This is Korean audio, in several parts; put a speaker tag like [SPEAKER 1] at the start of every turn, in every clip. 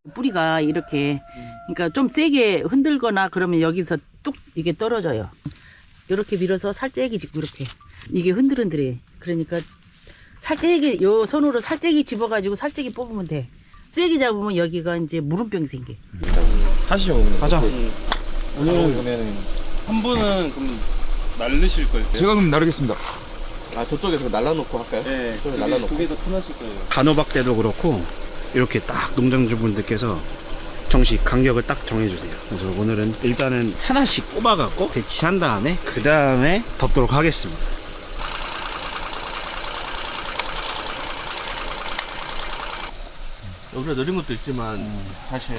[SPEAKER 1] 뿌리가 이렇게 그러니까 좀 세게 흔들거나 그러면 여기서 뚝 이게 떨어져요. 이렇게 밀어서 살짝이 짚고 이렇게 이게 흔들흔들해. 그러니까 살짝이 요 손으로 살짝이 집어가지고 살짝이 뽑으면 돼. 세게 잡으면 여기가 이제 물음병이 생겨.
[SPEAKER 2] 하시죠.
[SPEAKER 3] 가자.
[SPEAKER 2] 오늘은 그러면 한 분은 그럼 날르실 거예요?
[SPEAKER 3] 제가 그럼 나르겠습니다.
[SPEAKER 2] 아 저쪽에서 날라놓고 할까요? 네. 저쪽에 날라놓고. 그게 더 편하실 거예요.
[SPEAKER 4] 단호박 때도 그렇고 이렇게 딱 농장주분들께서 정식 간격을 딱 정해주세요. 그래서 오늘은 일단은 하나씩 꼽아갖고 배치한 다음에 그 다음에 덮도록 하겠습니다.
[SPEAKER 2] 여기가 느린 것도 있지만 사실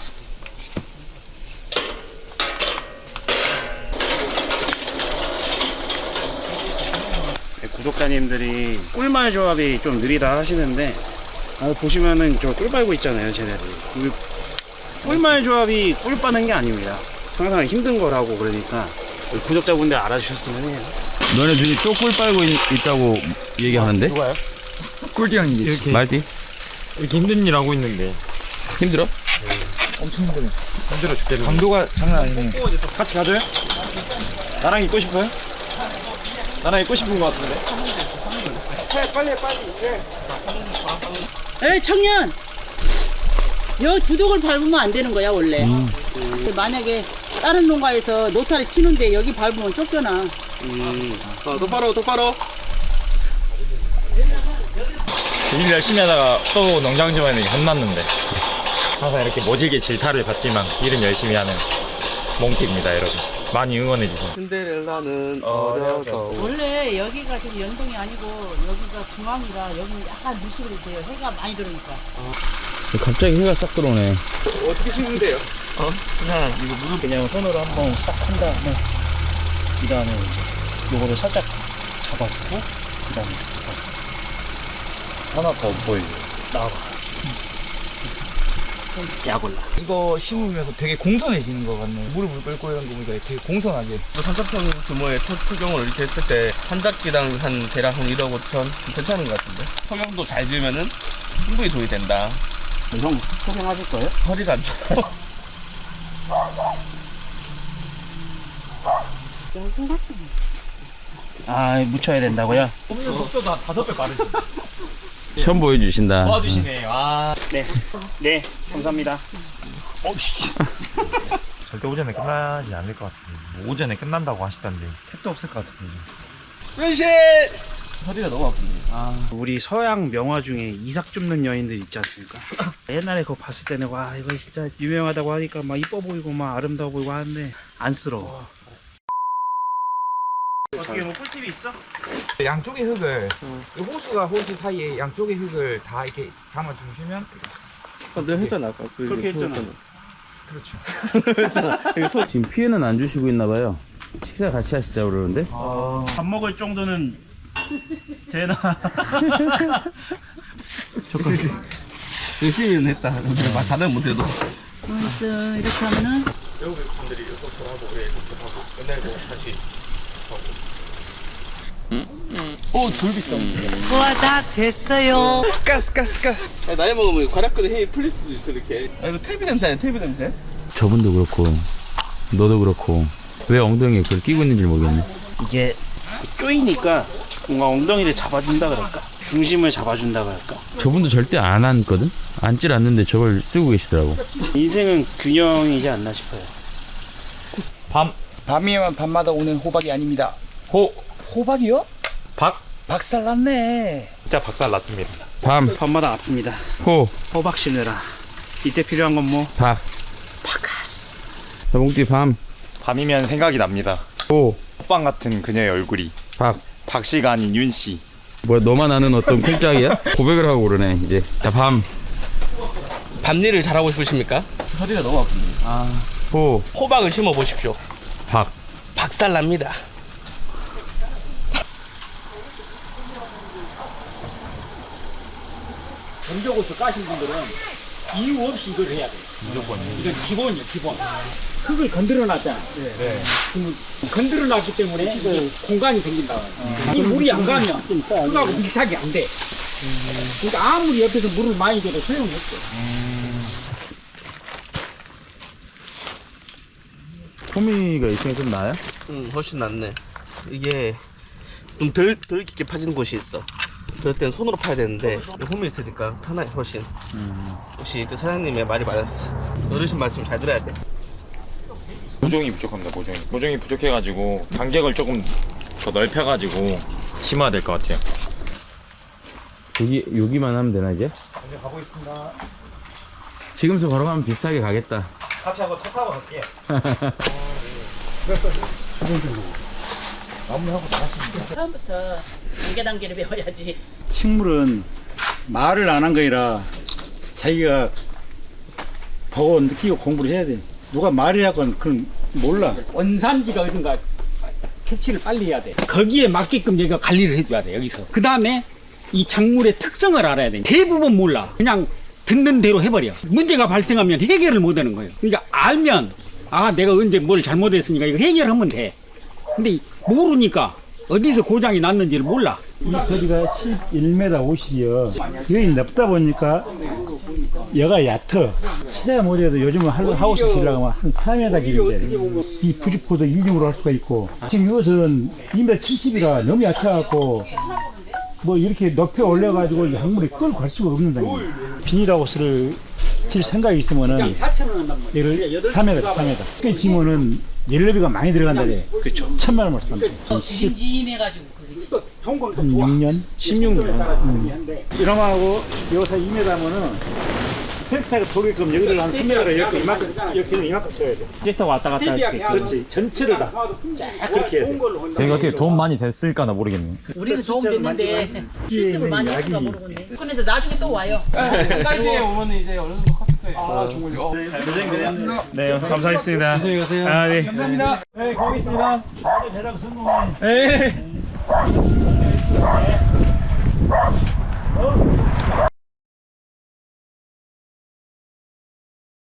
[SPEAKER 4] 구독자님들이 꿀말 조합이 좀 느리다 하시는데 보시면은 저 꿀 빨고 있잖아요, 쟤네들. 꿀말 조합이 꿀 빠는 게 아닙니다. 항상 힘든 거라고. 그러니까 구독자분들 알아주셨으면 해요.
[SPEAKER 5] 너네 둘이 또 꿀 빨고 있다고 얘기하는데?
[SPEAKER 3] 누가요?
[SPEAKER 5] 꿀띠랑
[SPEAKER 3] 이렇게.
[SPEAKER 5] 말띠?
[SPEAKER 3] 이렇게 힘든 일 하고 있는데
[SPEAKER 5] 힘들어?
[SPEAKER 3] 엄청 힘들어 죽겠네. 강도가 장난 아니네.
[SPEAKER 2] 같이 가줘요? 나랑 있고 싶어요? 나랑 있고 싶은 것 같은데.
[SPEAKER 1] 에이 청년! 여 두둑을 밟으면 안 되는 거야 원래. 만약에 다른 농가에서 노타를 치는데 여기 밟으면 쫓겨나.
[SPEAKER 2] 똑바로.
[SPEAKER 3] 일 열심히 하다가 또 농장 집안에 혼났는데 항상 이렇게 모질게 질타를 받지만 일은 열심히 하는 몽띠입니다, 여러분. 많이 응원해주세요.
[SPEAKER 2] 신데렐라는 어려서.
[SPEAKER 1] 원래 여기가 지금 연동이 아니고 여기가 중앙이라 여기는 약간 무식으로 돼요. 해가 많이 들어오니까.
[SPEAKER 5] 갑자기 해가 싹 들어오네.
[SPEAKER 2] 어떻게 심으면 돼요?
[SPEAKER 4] 그냥 이거 물을 그냥 손으로 한번 싹 한 다음에 그 다음에 이제 요거를 살짝 잡아주고 그 다음에
[SPEAKER 3] 하나 더 보이죠.
[SPEAKER 4] 나와봐. 약 올라.
[SPEAKER 6] 이거 심으면서 되게 공손해지는 것 같네. 무릎을 꿇고 이런 거 보니까 되게 공손하게.
[SPEAKER 2] 삼천평 규모의 토경을 이렇게 했을 때 한 작기당 한 대략 한 1억 5천 괜찮은 것 같은데. 성형도 잘 지으면은 충분히 돈이 된다.
[SPEAKER 4] 형 소개하실 거예요?
[SPEAKER 2] 허리가 안 좋아.
[SPEAKER 4] 아, 묻혀야 된다고요?
[SPEAKER 3] 뽑는 속도도 한 5배 빠르지.
[SPEAKER 5] 처음 보여주신다.
[SPEAKER 3] 도와주시네. 와.
[SPEAKER 4] 네, 감사합니다.
[SPEAKER 7] 절대 오전에 끝나지 않을 것 같습니다. 뭐 오전에 끝난다고 하시던데 택도 없을 것 같은데.
[SPEAKER 2] 변신! 허리가 너무 아픈데.
[SPEAKER 4] 우리 서양 명화 중에 이삭 줍는 여인들 있지 않습니까? 옛날에 그거 봤을 때는 와 이거 진짜 유명하다고 하니까 막 이뻐 보이고 막 아름다워 보이고 하는데 안쓰러워. 어떻게 뭐 꿀팁이 있어?
[SPEAKER 6] 양쪽의 흙을 이 호수가 호수 사이에 양쪽의 흙을 다 이렇게 담아 주시면
[SPEAKER 2] 내가 했잖아 아까.
[SPEAKER 4] 그렇게 했잖아.
[SPEAKER 6] 그렇죠.
[SPEAKER 5] 지금 피해는 안 주시고 있나봐요. 식사 같이 하시자고 그러는데?
[SPEAKER 4] 밥 먹을 정도는 되나?
[SPEAKER 2] 열심히는 했다. 막 잘은 못해도.
[SPEAKER 1] 알았어. 이렇게 하면은
[SPEAKER 2] 외국분들이 이것도 하고 우리 이것도 하고 끝내고 다시 하고.
[SPEAKER 1] 소화 다 됐어요.
[SPEAKER 2] 가스. 나이 먹으면 괄약근에 힘이 풀릴 수도 있어 이렇게. 이거 텔비 냄새 아니야? 텔비 냄새?
[SPEAKER 5] 저분도 그렇고 너도 그렇고 왜 엉덩이에 그걸 끼고 있는지 모르겠네.
[SPEAKER 4] 이게 쪼이니까 뭔가 엉덩이를 잡아준다 그럴까? 중심을 잡아준다 그럴까?
[SPEAKER 5] 저분도 절대 안 앉거든? 앉질 않는데 저걸 쓰고 계시더라고.
[SPEAKER 4] 인생은 균형이지 않나 싶어요.
[SPEAKER 6] 밤이면 밤마다 오는 호박이 아닙니다. 호박이요? 박살났네.
[SPEAKER 7] 진짜 박살 났습니다.
[SPEAKER 4] 밤마다 아픕니다. 호박 심느라. 이때 필요한 건 뭐?
[SPEAKER 5] 바카스. 자봉띠
[SPEAKER 7] 밤이면 생각이 납니다. 호빵 같은 그녀의 얼굴이 박씨가 아닌 윤씨.
[SPEAKER 5] 뭐야, 너만 아는 어떤 콩짝이야? 고백을 하고 그러네 이제. 자,
[SPEAKER 2] 밤일을 잘하고 싶으십니까? 허리가 너무 아픈데. 호박을 심어 보십시오. 박살납니다.
[SPEAKER 3] 전적으로 까신 분들은 이유 없이 이걸 해야 돼. 무조건. 이건 기본이에요, 기본. 흙을 건드려 놨잖아. 네. 건드려 놨기 때문에 이게 공간이 생긴다. 이 물이 안 가면 흙하고 밀착이 안 돼. 그러니까 아무리 옆에서 물을 많이 줘도 소용이 없어.
[SPEAKER 5] 호미가 있으니까 좀 나아요?
[SPEAKER 2] 응, 훨씬 낫네. 이게 좀 덜 깊게 파지는 곳이 있어. 그럴 땐 손으로 파야 되는데 홈이 있으니까 편하게 훨씬. 역시 그 사장님의 말이 맞았어. 어르신 말씀 잘 들어야 돼.
[SPEAKER 7] 모종이 부족합니다. 모종이 부족해가지고 간격을 조금 더 넓혀가지고 심어야 될 것 같아요.
[SPEAKER 5] 여기만 하면 되나 이제?
[SPEAKER 4] 이제 가고 있습니다.
[SPEAKER 5] 지금서 걸어가면 비슷하게 가겠다.
[SPEAKER 4] 같이 하고 차 타고 갈게요.
[SPEAKER 1] 처음부터 단계를 배워야지.
[SPEAKER 3] 식물은 말을 안 한 거이라 자기가 보고 느끼고 공부를 해야 돼. 누가 말이라고는 그건 몰라. 원산지가 어딘가 캐치를 빨리 해야 돼. 거기에 맞게끔 여기가 관리를 해줘야 돼, 여기서. 그 다음에 이 작물의 특성을 알아야 돼. 대부분 몰라. 그냥 듣는 대로 해버려. 문제가 발생하면 해결을 못 하는 거예요. 그러니까 알면, 아, 내가 언제 뭘 잘못했으니까 이거 해결하면 돼. 근데 모르니까 어디서 고장이 났는지를 몰라.
[SPEAKER 8] 이 거리가 11m 50이요. 여기 넓다 보니까 여가 얕어. 최야 못해도 요즘은 하우스 지려면 한 4m 길인데 이 부직포도 2중으로 할 수가 있고 지금 이것은 2m 70이라 너무 얕아갖고 뭐 이렇게 높여 올려가지고 작물이 끌고 갈 수가 없는다. 비닐하우스를 질 생각이 있으면은 얘를 3m. 꽤 지면은 연료비가 많이 들어간다래.
[SPEAKER 7] 그렇죠.
[SPEAKER 8] 1,000만 원 벌써 간다.
[SPEAKER 1] 진지해가지고
[SPEAKER 3] 좋은 건
[SPEAKER 8] 한 6년?
[SPEAKER 7] 16년.
[SPEAKER 8] 이놈하고 여기서 2m면은 트랙터가 돌게끔 여기를 한 3m를 이렇게 이만큼 써야 돼. 트랙터가 왔다 갔다 할 수 있게. 그렇지. 전체를 다 그렇게 해야 돼.
[SPEAKER 7] 내가 어떻게 돈 많이 됐을까나 모르겠네.
[SPEAKER 1] 우리는 도움 됐는데 실습을 많이 했는가 모르겠네. 근데 나중에 또 와요.
[SPEAKER 2] 딸기에 오면 이제 어느 정도 컸을 거예요.
[SPEAKER 7] 네, 감사했습니다. 안녕히 가세요. 아, 네.
[SPEAKER 8] 감사합니다. 네, 거기 있습니다. 대략 성공해.
[SPEAKER 7] 네.